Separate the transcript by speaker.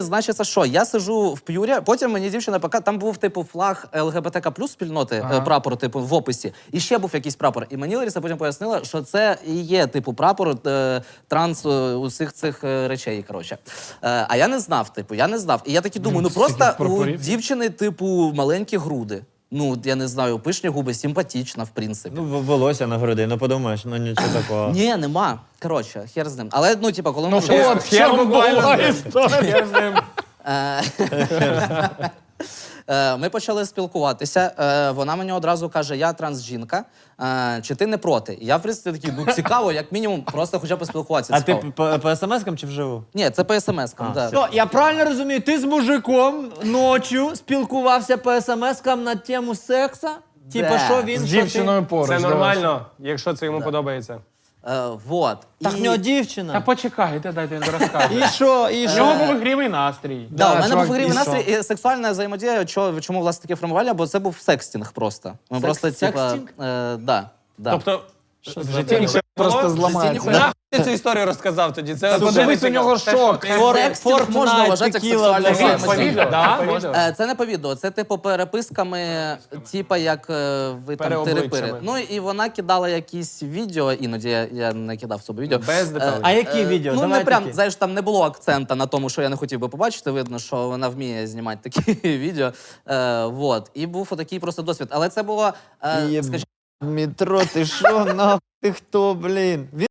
Speaker 1: Значить, це що? Я сижу в П'юрі, потім мені дівчина показала, там був, типу, флаг ЛГБТК плюс спільноти, прапор, типу, в описі, і ще був якийсь прапор. І мені Лариса потім пояснила, що це і є, типу, прапор транс усіх цих речей, коротше. А я не знав, типу, я не знав. І я таки думаю, ну просто у дівчини, типу, маленькі груди. Ну, я не знаю, пишні губи, симпатічна, в принципі.
Speaker 2: Ну, волосся на груди, ну подумаєш, ну нічого такого.
Speaker 1: Ні, нема. Коротше, хер з ним. Але, ну, типу, коли ми...
Speaker 3: От, ще була історія з ним.
Speaker 1: Ми почали спілкуватися. Вона мені одразу каже, я трансжінка, чи ти не проти? І я, в принципі, такий, ну, цікаво, як мінімум, просто хоча б поспілкуватися.
Speaker 2: А ти
Speaker 1: цікаво.
Speaker 2: по смс-кам чи вживу?
Speaker 1: Ні, це по смс-кам, так.
Speaker 2: Ну, я правильно розумію, ти з мужиком ночі спілкувався по смс-кам на тему секса? Типа, що він,
Speaker 3: З
Speaker 2: що ти?
Speaker 3: дівчиною поруч.
Speaker 4: Це
Speaker 3: да.
Speaker 4: нормально, якщо це йому подобається.
Speaker 1: Вот.
Speaker 2: Так в нього дівчина.
Speaker 3: Та почекайте, дайте він розкаже.
Speaker 2: І що, і
Speaker 3: В нього
Speaker 2: що?
Speaker 3: був ігривий настрій.
Speaker 1: Да, у мене
Speaker 3: чувак,
Speaker 1: був грівий
Speaker 3: і що?
Speaker 1: настрій і сексуальна взаємодія. Чому, власне, таке формування? Бо це був секстінг просто. Ми просто, типа,
Speaker 2: секстінг?
Speaker 1: да.
Speaker 4: Тобто, в житті нічого
Speaker 3: Просто
Speaker 1: Житті
Speaker 3: зламається.
Speaker 1: ніхуя.
Speaker 4: Нахуй ти цю історію розказав тоді? Це
Speaker 3: Подивись, у нього шок.
Speaker 1: Секстінг можна вважати як сексуальна
Speaker 4: По
Speaker 1: взаємодія.
Speaker 4: відео? Да?
Speaker 1: Це не по відео, це типу переписками, типа як ви там
Speaker 4: Переобличчями.
Speaker 1: тири-пири. Ну і вона кидала якісь відео, іноді я не кидав собі відео.
Speaker 4: Без деталей.
Speaker 2: А які відео?
Speaker 1: Ну
Speaker 2: Давай
Speaker 1: не прям,
Speaker 2: такі.
Speaker 1: знаєш, там не було акцента на тому, що я не хотів би побачити. Видно, що вона вміє знімати такі відео. Вот. І був отакий просто досвід. Але це було, скажімо,
Speaker 2: Метро, ти що, нахуй, ти хто, блін?